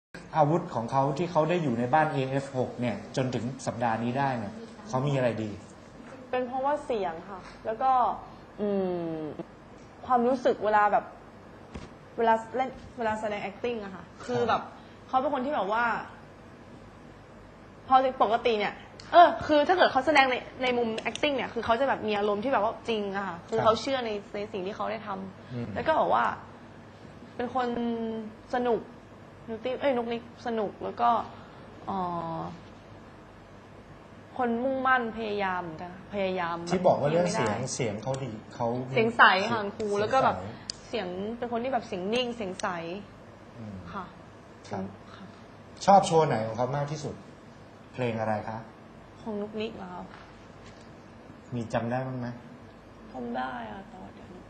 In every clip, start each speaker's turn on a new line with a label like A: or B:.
A: อาวุธของเขาที่เขาได้อยู่ในบ้าน AF6 เนี่ยจนถึงสัปดาห์นี้ได้เนี่ยเขามีอะไรดี
B: เป็นเพราะว่าเสียงค่ะ แล้วก็ความรู้สึกเวลาแบบเวลาเล่นเวลาแสดง acting อะค่ะ คือแบบเขาเป็นคนที่แบบว่า พอปกติเนี่ยคือถ้าเกิดเขาแสดงในมุม acting เนี่ยคือเขาจะแบบมีอารมณ์ที่แบบว่าจริงอะค่ะคือเขาเชื่อในสิ่งที่เขาได้ทำแล้วก็บอกว่า เป็นคนสนุกนุกนิกสนุกแล้วก็คนมุ่งมั่นพยายามเหมือนกันพยายาม
A: ที่บอกว่าเรื่องเสียงเขาดีเขา
B: เสียงใสค่ะครูแล้วก็แบบเสียงเป็นคนที่แบบเสียงนิ่งเสียงใสค่ะ
A: ชอบโชว์ไหนของเขามากที่สุดเพลงอะไรคะ
B: ของนุกนิกเหรอครับ
A: มีจำได้บ้างไหม
B: จำได้อะตอนเดี๋ยว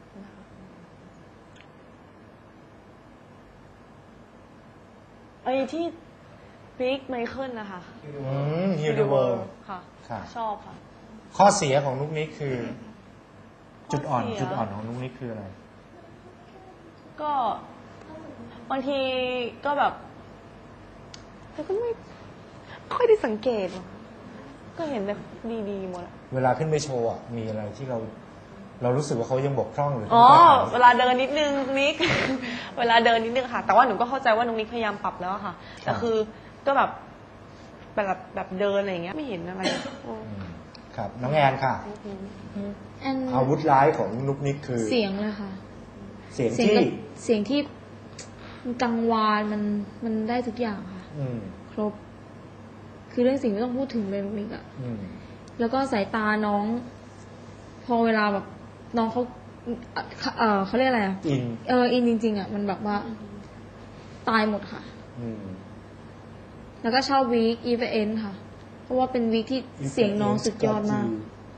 B: ไอ้ที่บิ๊กไมเคิลนะคะ
A: ฮิวเดอร์เวิลด์
B: ค่ะชอบค่ะ
A: ข้อเสียของนุกนิกคือจุดอ่อนของนุกนิกคืออะไร
B: ก็บางทีก็แบบแต่ก็ไม่ค่อยได้สังเกตก็เห็นแต่ดีๆหมด
A: เวลาขึ้นไปโชว์มีอะไรที่เรารู้สึกว่าเขายังบกพร่องหรือ
B: เวลาเดินนิดนึงนิก เวลาเดินนิดนึงค่ะแต่ว่าหนูก็เข้าใจว่านุกนิกพยายามปรับแล้วค่ะแต่คือก็แบบเดินอะไรอย่างเงี้ยไม่เห็นอะไร
A: ครับน้องแอนค่ะอาวุธร้ายของนุกนิกคือ
C: เสียงเลยค่ะ
A: เสียง
C: ที่กังวานมันได้ทุกอย่างค่ะครบคือเรื่องสิ่งไม่ต้องพูดถึงเลยนุกนิกแล้วก็สายตาน้องพอเวลาแบบน้องเขาเรียกอะไรอินจริงๆมันแบบว่าตายหมดค่ะแล้วก็ชอบวีคอีเวนต์ค่ะเพราะว่าเป็นวีคที่เสียงน้องสุดยอดมาก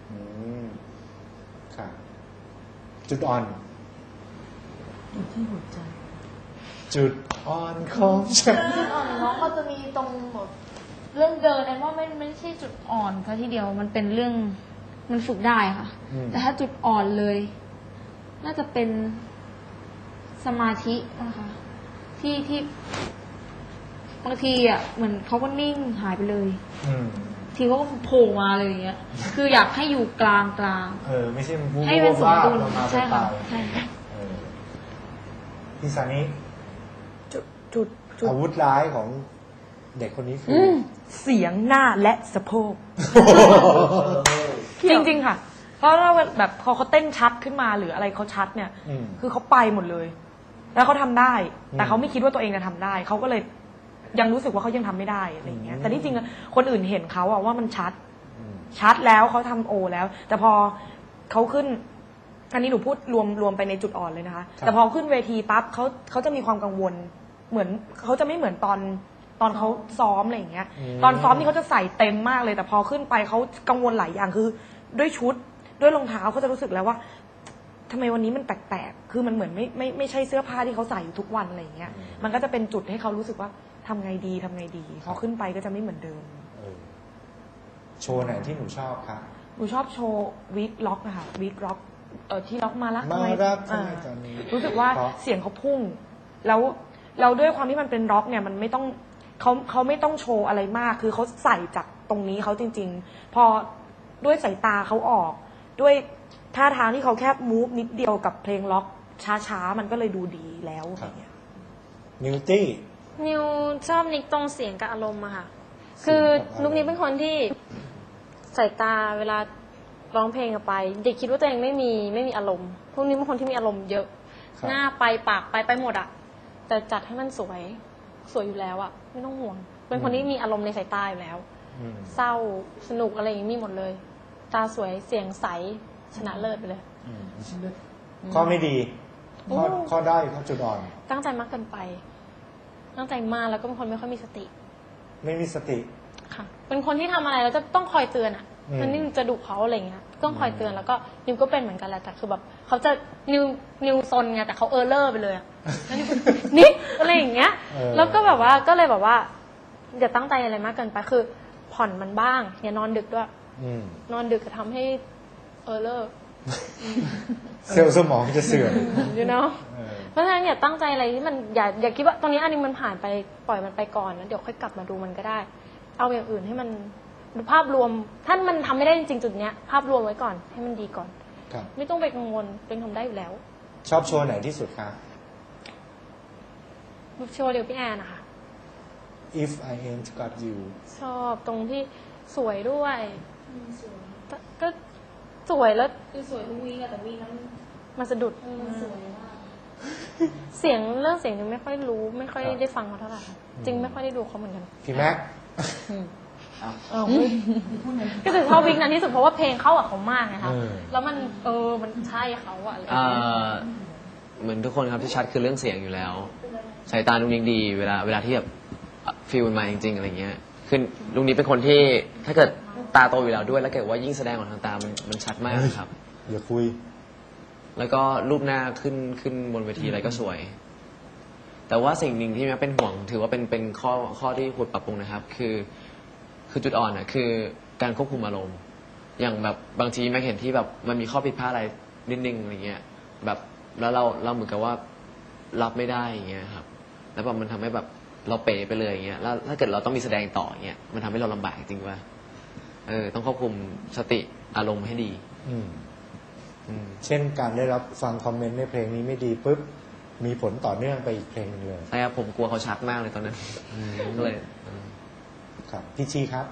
A: ค่ะจุดอ่อน
C: อยู่ที่หัวใจ
A: จุดอ่อนของฉัน
C: จุดอ่อนน้องก็จะมีตรงแบบเรื่องเดินแอนว่าไม่ใช่จุดอ่อนซะทีเดียวมันเป็นเรื่องมันฝึกได้ค่ะแต่ถ้าจุดอ่อนเลยน่าจะเป็นสมาธินะคะที่บางทีเหมือนเขาก็นิ่งหายไปเลยทีเขาก็โผล่มาเลยอย่างเงี้ยคืออยากให้อยู่กลาง
A: ไม่ใช่
C: ให้เป็นสมดุลใช่ค่ะใช่
A: พี่ซานิจุดอาวุธร้ายของเด็กคนนี้คือ
B: เสียงหน้าและสะโพกจริงๆค่ะเพราะว่าแบบพอเขาเต้นชัดขึ้นมาหรืออะไรเขาชัดเนี่ยคือเขาไปหมดเลยแล้วเขาทำได้แต่เขาไม่คิดว่าตัวเองจะทำได้เขาก็เลยยังรู้สึกว่าเขายังทำไม่ได้อะไรอย่างเงี้ยแต่ที่จริงคนอื่นเห็นเขาว่ามันชัดแล้วเขาทำโอแล้วแต่พอเขาขึ้นอันนี้หนูพูดรวมไปในจุดอ่อนเลยนะคะแต่พอขึ้นเวทีปั๊บเขาจะมีความกังวลเหมือนเขาจะไม่เหมือนตอนเขาซ้อมอะไรอย่างเงี้ยตอนซ้อมนี่เขาจะใส่เต็มมากเลยแต่พอขึ้นไปเขากังวลหลายอย่างคือด้วยชุดด้วยรองเท้าเขาจะรู้สึกแล้วว่าทำไมวันนี้มันแปลกๆคือมันเหมือนไม่ใช่เสื้อผ้าที่เขาใส่อยู่ทุกวันอะไรอย่างเงี้ยมันก็จะเป็นจุดให้เขารู้สึกว่าทำไงดีพอขึ้นไปก็จะไม่เหมือนเดิม
A: โชว์ไหนที่หนูชอบคะ
B: หนูชอบโชว์วีคล็อกนะคะวีคล็อกที่ล็อกมารักรู้สึกว่าเสียงเขาพุ่งแล้วด้วยความที่มันเป็นร็อกเนี่ยมันไม่ต้องเขาไม่ต้องโชว์อะไรมากคือเขาใส่จากตรงนี้เขาจริงๆพอด้วยสายตาเขาออกด้วยท่าทางที่เขาแค่มูฟนิดเดียวกับเพลงล็อกช้าๆมันก็เลยดูดีแล้วอย่างเงี้ย
C: นิวชอบนิกตรงเสียงกับอารมณ์อะค่ะคือนุกนิกเป็นคนที่สายตาเวลาร้องเพลงไปเด็กคิดว่าตัวเองไม่มีอารมณ์พวกนี้เป็นคนที่มีอารมณ์เยอะหน้าไปปากไปหมดอะแต่จัดให้มันสวยอยู่แล้วอะไม่ต้องห่วงเป็นคนที่มีอารมณ์ในสายตาอยู่แล้วเศร้าสนุกอะไรอย่างนี้มีหมดเลยตาสวยเสียงใสชนะเลิศไปเลย
A: ข้อไม่ดีข้อได้ข้อจุดอ่อน
C: ตั้งใจมากเกินไปตั้งใจมากแล้วก็เป็นคนไม่ค่อยมีสติ
A: ไม่มีสติ
C: ค่ะเป็นคนที่ทำอะไรแล้วจะต้องคอยเตือนอ่ะมันนี่จะดุเขาอะไรเงี้ยต้องคอยเตือนแล้วก็นิวก็เป็นเหมือนกันแหละแต่คือแบบเขาจะนิวซนไงแต่เขาเลอร์ไปเลยอ่ะนี่อะไรอย่างเงี้ยแล้วก็แบบว่าก็เลยแบบว่าอย่าตั้งใจอะไรมากเกินไปคือผ่อนมันบ้างอย่านอนดึกด้วยนอนดึกจะทำให้เลอร์
A: เซลล์สมองจะเสื่อม
C: you know เพราะฉะนั้นอย่าตั้งใจอะไรที่มันอย่าคิดว่าตอนนี้อันนี้มันผ่านไปปล่อยมันไปก่อนแล้วเดี๋ยวค่อยกลับมาดูมันก็ได้ เอาอย่างอื่นให้มันดูภาพรวมถ้ามันทำไม่ได้จริงๆจุดเนี้ยภาพรวมไว้ก่อนให้มันดีก่อน
A: ครับ
C: ไม่ต้องไปกังวลเป็นทำได้อยู่แล้ว
A: ชอบโชว์ไหนที่สุดคะ
C: โชว์เดียวพี่แอนนะคะ
A: If I Ain't Got You
C: ชอบตรงที่สวยด้วยก็สวยแล้ว
D: คือสวยทุกวีคอะแต่วีคนั้น
C: มาสะดุด
D: มันสวยมาก
C: เสียงเรื่องเสียงยังไม่ค่อยรู้ไม่ค่อยได้ฟังเขาเท่าไหร่ค่ะจริงไม่ค่อยได้ดูเขาเหมือนกัน
A: พี่แม็ก
C: ก็จะชอบวิกนั้นที่สุดเพราะว่าเพลงเข้ากับเขามากไงคะแล้วมันมันใช่เขาอะอะไรอย่างเงี้ย
E: เหมือนทุกคนครับที่ชัดคือเรื่องเสียงอยู่แล้วสายตาลุงนิ้งดีเวลาที่แบบฟีลมันมาจริงๆอะไรเงี้ยคือลุงนิ้งเป็นคนที่ถ้าเกิดตาโตอยู่แล้วด้วยแล้วเกิดว่ายิ่งแสดงออกทางตามันชัดมากครับ
A: อย่าคุย
E: แล้วก็รูปหน้าขึ้นบนเวทีอะไรก็สวย แต่ว่าสิ่งหนึ่งที่แม่เป็นห่วงถือว่าเป็นข้อที่ควรปรับปรุงนะครับ คือจุดอ่อนอ่ะคือการควบคุมอารมณ์อย่างแบบบางทีแม่เห็นที่แบบมันมีข้อผิดพลาดอะไรนิดนึงอะไรเงี้ยแบบแล้วเราเหมือนกับว่ารับไม่ได้อย่างเงี้ยครับแล้วแบบมันทำให้แบบเราเป๋ไปเลยอย่างเงี้ยแล้วถ้าเกิดเราต้องมีแสดงต่ออย่างเงี้ยมันทำให้เราลำบากจริงว่าต้องควบคุมสติอารมณ์ให้ดี
A: เช่นการได้รับฟังคอมเมนต์ในเพลงนี้ไม่ดีปุ๊บมีผลต่อเนื่องไปอีกเพลงหนึงเลย
E: ใช่ครับผมกลัวเขาชักมากเลยตอนนั้นก็เลย
A: ครับพี่ชีครับ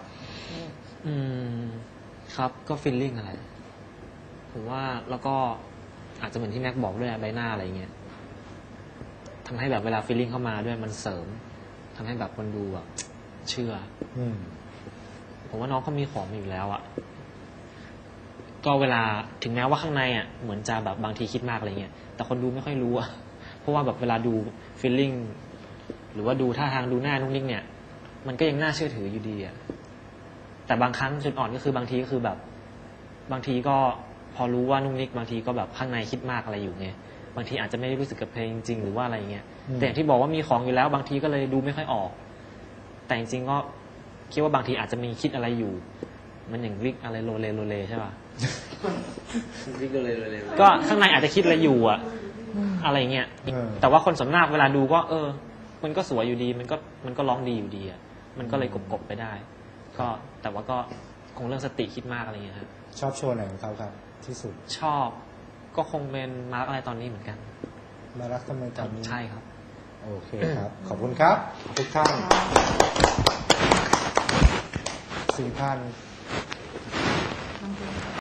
F: ครับก็ฟีลลิ่งอะไรผมว่าแล้วก็อาจจะเหมือนที่แม็กบอกด้วยใบหน้าอะไรเงี้ยทำให้แบบเวลาฟีลลิ่งเข้ามาด้วยมันเสริมทำให้แบบคนดูแบบเชื่อผมว่าน้องเขามีของอยู่แล้วอ่ะก็เวลาถึงแม้ว่าข้างในอ่ะเหมือนจะแบบบางทีคิดมากอะไรเงี้ยแต่คนดูไม่ค่อยรู้อ่ะเพราะว่าแบบเวลาดูฟีลลิ่งหรือว่าดูท่าทางดูหน้านุ่งนิ่งเนี่ยมันก็ยังน่าเชื่อถืออยู่ดีอ่ะแต่บางครั้งจุดอ่อนก็คือบางทีก็คือแบบบางทีก็พอรู้ว่านุ่งนิ่งบางทีก็แบบข้างในคิดมากอะไรอยู่ไงบางทีอาจจะไม่ได้รู้สึกกับเพลงจริงหรือว่าอะไรเงี้ยแต่อย่างที่บอกว่ามีของอยู่แล้วบางทีก็เลยดูไม่ค่อยออกแต่จริงๆก็คิดว่าบางทีอาจจะมีคิดอะไรอยู่มันอย่างวิกอะไรโลเลใช่ป่ะ
E: วิกเลย
F: ก็ข้างในอาจจะคิดอะไรอยู่อะอะไรเงี้ยแต่ว่าคนส่วนมากเวลาดูก็มันก็สวยอยู่ดีมันก็ร้องดีอยู่ดีอะมันก็เลยกบไปได้ก็แต่ว่าก็คงเรื่องสติคิดมากอะไรเงี้ยครับ
A: ชอบโชว์ไหนของเขาครับที่สุด
F: ชอบก็คงเป็นมาร์กอะไรตอนนี้เหมือนกัน
A: มารักทำไมตอนนี้
F: ใช่ครับ
A: โอเคครับ ขอบคุณครับทุกท่าน4,000